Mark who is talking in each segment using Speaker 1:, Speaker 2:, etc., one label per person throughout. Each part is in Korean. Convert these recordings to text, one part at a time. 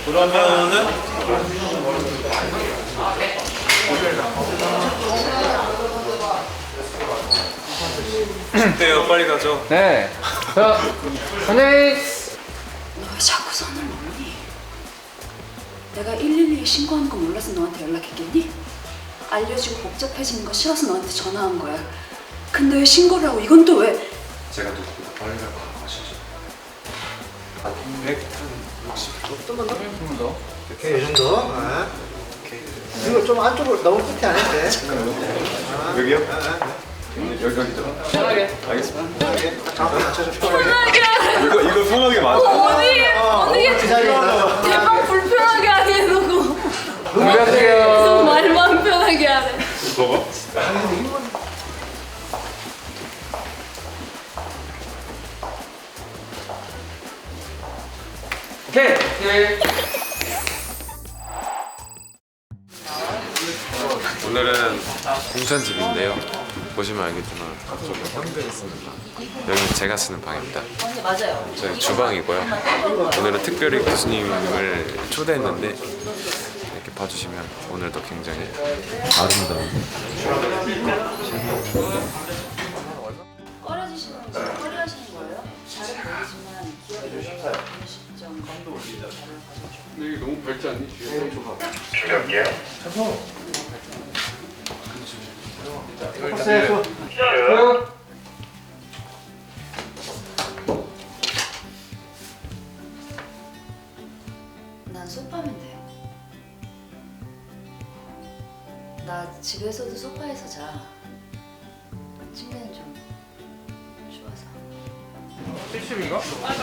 Speaker 1: 그러면은 어때요? 빨리 가죠.
Speaker 2: 네. 자, 선생님.
Speaker 3: 너 왜 자꾸 선을 넘니? 내가 112에 신고하는 거 몰라서 너한테 연락했겠니? 알려지고 복잡해지는 거 싫어서 너한테 전화한 거야. 근데 왜 신고를 하고 이건 또 왜?
Speaker 1: 제가 누구보다 빨리 갈 거라고 하시죠. 160도?
Speaker 2: 좀만 더.
Speaker 4: 오케이, 이 정도. 아. 이거 좀 안쪽으로 너무 끝에 안 해도 돼.
Speaker 1: 여기요? 여기죠.
Speaker 2: 편하게.
Speaker 1: 알겠습니다.
Speaker 4: 잠깐 맞춰줘.
Speaker 1: 이거 편하게 맞아.
Speaker 3: 어디
Speaker 4: 그 자리에 있어.
Speaker 3: 대박 불편하게 하게 해놓고
Speaker 2: 준비하세요.
Speaker 3: 말만 편하게 하네.
Speaker 1: 너가?
Speaker 2: 오케이. 오케이.
Speaker 5: 오늘은 공찬집인데요. 보시면 알겠지만 저기 형들이 쓰는 방, 여기는 제가 쓰는 방입니다.
Speaker 3: 맞아요.
Speaker 5: 저희 주방이고요. 오늘은 특별히 교수님을 초대했는데 이렇게 봐주시면 오늘도 굉장히 아름다운
Speaker 3: 꺼려지시는 거 꺼려하시는 거예요? 잘은 모르지만 기억이 나는 시점
Speaker 2: 근데 이게 너무 밝지 않니?
Speaker 3: 난 소파면 돼. 나 집에서도 소파에서 자. 침대는 좀 좋아서.
Speaker 2: 70인가?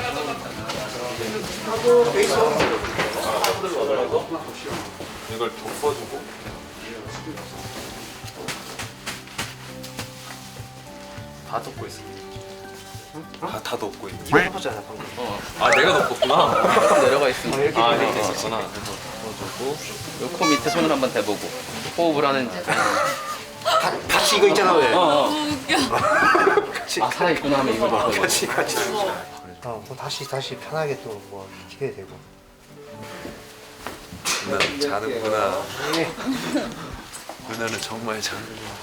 Speaker 1: 이걸 덮어주고 다 덮고 있어. 다 덮고 있네.
Speaker 4: 이거 해보잖아, 방금.
Speaker 1: 아 내가 덮었구나.
Speaker 6: 조금 내려가 있으면
Speaker 1: 아 이렇게 있었구나.
Speaker 6: 덮어주고 코 밑에 손을 한번 대보고 호흡을 하는지
Speaker 4: 같이 이거 있잖아, 왜?
Speaker 6: 아 살아있구나 하면 이걸 덮어주고
Speaker 4: 같이. 또 다시 편하게 또 뭐 지켜야 되고.
Speaker 5: 누나 자는구나. 누나는 정말 자는구나.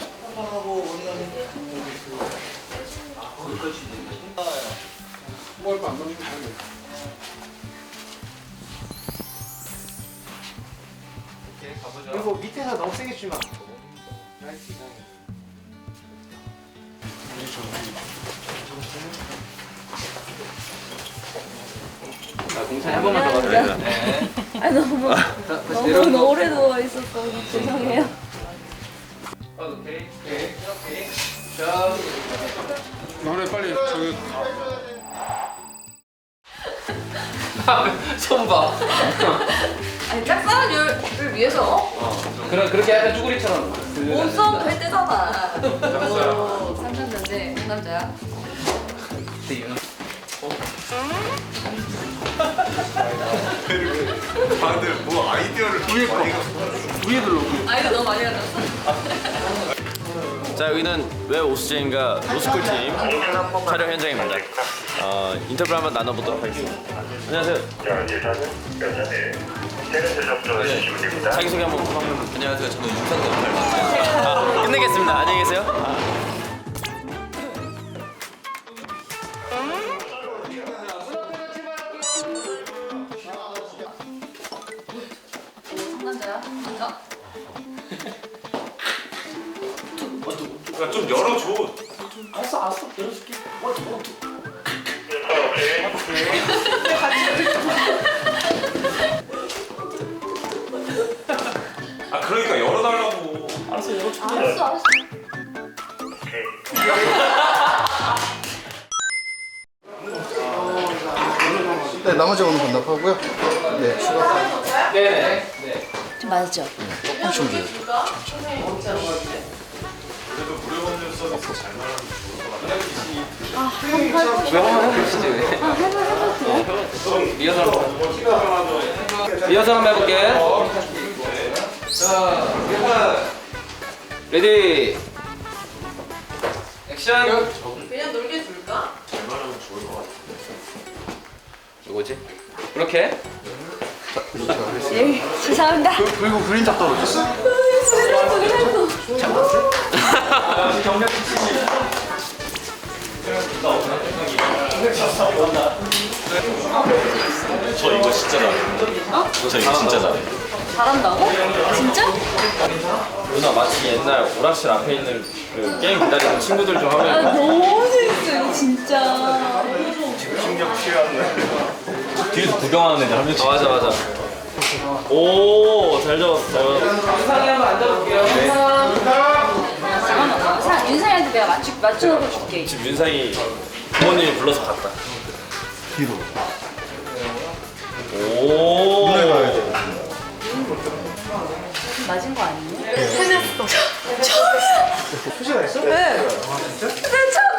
Speaker 4: 그리고 밑에서 너무 세게 주면 안 돼.
Speaker 6: 공찬이 한 번만 더 가도 돼.
Speaker 3: 아 너무 오래 누워 있었어. 죄송해요.
Speaker 6: 오케이 자
Speaker 2: 너네 빨리 저기.
Speaker 6: 손봐
Speaker 3: 아니 짝사랑을 위해서
Speaker 6: 그렇게 약간 쭈구리처럼
Speaker 3: 몸싸움도 할 때잖아. 오, 상상자인데 상남자야.
Speaker 1: 다들 뭐 아이디어를
Speaker 3: 아이가 너무 많이 가졌어.
Speaker 7: 자, 여기는 왜 오수재인가 로스쿨 팀 촬영 현장입니다. 인터뷰 한번 나눠보도록 하겠습니다. 안녕하세요. 자기소개 한번 부탁드립니다.
Speaker 6: 안녕하세요 저는 윤상도 역할을 맡습니다
Speaker 7: 끝내겠습니다. 안녕히 계세요.
Speaker 3: 상남자야. 진짜?
Speaker 1: 야, 좀 열어줘. 아 그러니까 열어달라고.
Speaker 3: 알았어.
Speaker 4: 네, 나머지 오늘 반납하고요. 네, 추가.
Speaker 6: 네네
Speaker 3: 좀 맞죠?
Speaker 4: 조금 준비해요.
Speaker 1: 그래도 무료 법률 서비스 잘 나가면
Speaker 6: 왜 한번 해보시지 왜 리허설 한번 해볼게 자 레디 액션
Speaker 3: 그냥 놀게 둘까?
Speaker 6: 누구지? 그렇게
Speaker 3: 에이, 죄송합니다.
Speaker 2: 그리고 그림자 떨어졌어.
Speaker 7: 저 이거 진짜 잘해요. 저 이거 진짜 잘해요.
Speaker 3: 잘한다고? 진짜?
Speaker 7: 누나 마치 옛날 오락실 앞에 있는 그 게임 기다리는 친구들 좀
Speaker 3: 아,
Speaker 7: 하면
Speaker 3: 너무 재밌어, 이거 진짜.
Speaker 7: 뒤에서 구경하는 애들 한 명씩. 맞아 맞아. 오, 잘 잡았어. 잘 잡았어.
Speaker 3: 잠깐만, 윤상이한테 내가 맞춰놓고 줄게.
Speaker 7: 지금 윤상이 부모님이 불러서 갔다.
Speaker 4: 뒤로.
Speaker 7: 오.
Speaker 4: 눈에 가야 돼.
Speaker 3: 맞은 거 아니에요?
Speaker 4: 수시가 있어?
Speaker 3: 네. 네, 처음